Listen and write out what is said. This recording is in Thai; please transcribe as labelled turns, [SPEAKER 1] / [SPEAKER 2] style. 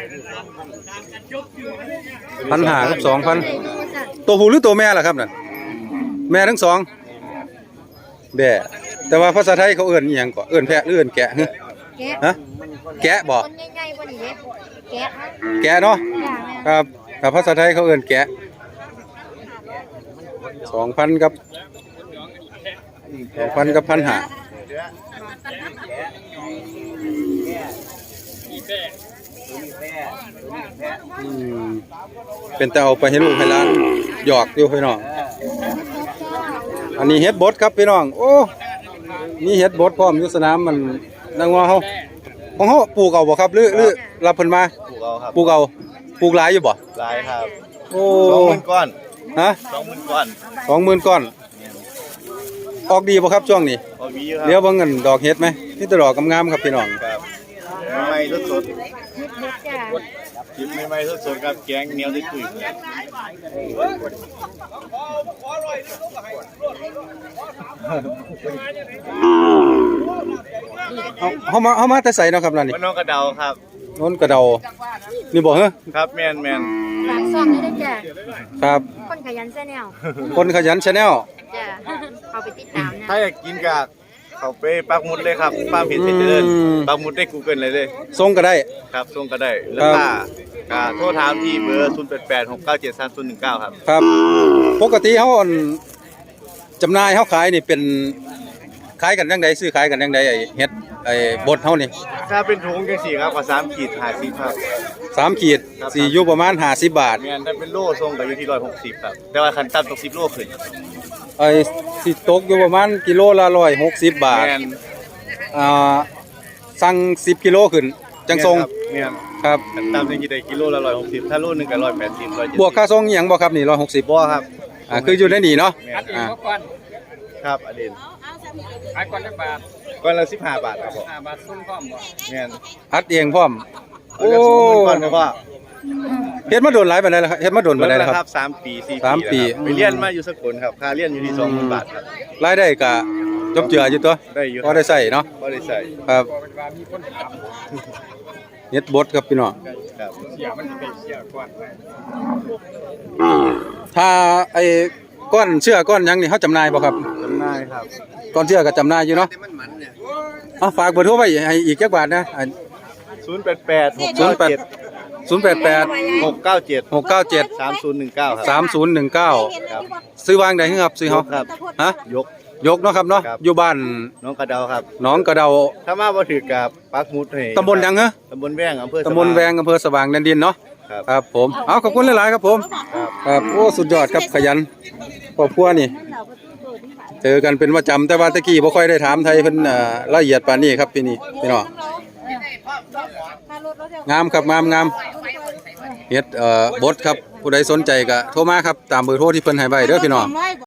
[SPEAKER 1] 1,500 กับ 2,000ตัวผู้หรือตัวแม่ล่ะครับนั่นแม่ทั้งสองแบ่แต่ว่าภาษาไทยเขาเอิ้นอีหยังก็เอิ้นแพะหรือเอิ้นแกะฮะแกะบ่แกะเนาะครับแต่ภาษาไทยเขาเอิ้นแกะ 2,000 กับ 1,500เป็นแต่เอาไปให้ลูกให้หลานหยอกอยู่พี่น้องอันนี้เฮ็ดบดครับพี่น้องโอ้มีเฮ็ดบดพร้อมอยู่สนามมันนางว่าเฮาของเฮาปลูกเอาบ่ครับหรือรับเพิ่นมาปลูกเอาปลูกหลายอยู่บ่
[SPEAKER 2] หลายครับ
[SPEAKER 1] โอ้
[SPEAKER 2] 20,000 ก้อน
[SPEAKER 1] ฮะ
[SPEAKER 2] 20,000 ก้อน
[SPEAKER 1] 20,000 ก้อนออกดีบ่ครับช่วงนี้
[SPEAKER 2] ออกดีอยู่ครับ
[SPEAKER 1] เดี๋ยวเบิ่งกันดอกเฮ็ดไหมนี่แต่ดอกงามๆครับพี่น้อง
[SPEAKER 2] ครับใหม่ๆสดๆจิบใหม่ๆสดๆครับแกงเหนียวได้คุย
[SPEAKER 1] เฮามาแต่ไสเนาะครับล่ะนี่
[SPEAKER 2] น้องกระเดาครับ
[SPEAKER 1] โน้นกระเดานี่บ่เหรอ
[SPEAKER 2] ครับแม่น
[SPEAKER 3] ฝากซ่อมได้จ้ะ
[SPEAKER 1] ครับ
[SPEAKER 3] คนขยันแชนแนล
[SPEAKER 1] คนขยัน Channel
[SPEAKER 3] จ้ะเอาไปติดตามนะ
[SPEAKER 2] ถ้าอยากกินกากเขาไปปักหมุดเลยครับป้าเพจเจริญปักหมุดได้ Google เลย
[SPEAKER 1] ส่งก็ได้
[SPEAKER 2] ครับส่งก็ได้แล้วก็โทรถามที่เบอร์0886973019ครับ
[SPEAKER 1] ครับปกติเฮาจำหน่ายเฮาขายนี่เป็นขายกันจังไดซื้อขายกันจังไดไอ้เฮ็ดไอ้บดเฮานี่
[SPEAKER 2] ถ้าเป็นถุงจังซี่ครับก็3ขีด50ครับ
[SPEAKER 1] 3ขีดสิอยู่ประมาณ50 บาท
[SPEAKER 2] แม่นถ้าเป็นโลส่งก็อยู่ที่160ครับแต่ว่าคันต่ำตก10โลขึ้น
[SPEAKER 1] ไอ้สิตกอยู่ประมาณกิโลละ160 บาท
[SPEAKER 2] แม่น
[SPEAKER 1] สั่ง10กิโลขึ้นจังส่ง
[SPEAKER 2] แม่น
[SPEAKER 1] ครับ
[SPEAKER 2] คันต่ำจังสิได้กิโลละ160ถ้าโลนึงก็180 170
[SPEAKER 1] บวกค่าส่งอีหยังบ่ครับนี่160
[SPEAKER 2] บ่ครับ
[SPEAKER 1] คืออยู่ในนี่เนาะ
[SPEAKER 2] ครับอดีต
[SPEAKER 4] ขายก่อนจักบาท
[SPEAKER 2] ก้อนละ15 บาทครับผม
[SPEAKER 4] 15 บาทส่งพร้อมบ่
[SPEAKER 2] แม่น
[SPEAKER 1] อัดเองพร้อม
[SPEAKER 2] โอ้ก่อนครับพ่อ
[SPEAKER 1] เฮ็ดมาโดนหลายปานใดแล้วครับเฮ็ดมาโดนปานใดแล้วครับ
[SPEAKER 2] 3 ปี4 ปีไปเรียนมาอยู่สกลครับค่าเรียนอยู่ที่ 20,000 บาทครับ
[SPEAKER 1] รายได้ก็จบเจืออยู่ตัว
[SPEAKER 2] ได้อยู่
[SPEAKER 1] พอได้ใช้เนาะ
[SPEAKER 2] พอได้ใช้
[SPEAKER 1] ครับเฮ็ดบดครับพี่น้อง
[SPEAKER 2] ครับ
[SPEAKER 4] เสียมันเป็นเสียก่อน
[SPEAKER 1] ถ้าไอ้ก้อนเชื่อก้อนหยังนี่เฮาจำหน่ายบ่ครับ
[SPEAKER 2] จำหน่ายครับ
[SPEAKER 1] ก้อนเชื่อก็จำหน่ายอยู่เนาะฝากเบอร์โทรไว้ให้อีกจักบาทนะ
[SPEAKER 2] 088 697
[SPEAKER 1] 3019ซื้อวางได้ครับซื้อเฮา
[SPEAKER 2] ครับ
[SPEAKER 1] ฮะยกเนาะครับเนาะอยู่บ้าน
[SPEAKER 2] น้องกระเดาครับ
[SPEAKER 1] น้องกระเดา
[SPEAKER 2] ถ้ามาบ่ถือกับปักหมุดให้
[SPEAKER 1] ตำบลหยังฮะ
[SPEAKER 2] ตำบลแวงอำเภอ
[SPEAKER 1] ตำบลแวงอำเภอสว่างแดนดินเนาะครับผมเอาขอบคุณหลายๆครับผมครับโอ้สุดยอดครับขยันครอบครัวนี่เจอกันเป็นประจำแต่ว่าตะกี้บ่ค่อยได้ถามไทยเพิ่นละเอียดปานนี้ครับพี่น้องงามครับงามเฮ็ดบดครับผู้ใดสนใจก็โทรมาครับตามเบอร์โทรที่เพิ่นให้ไว้เด้อพี่น้อง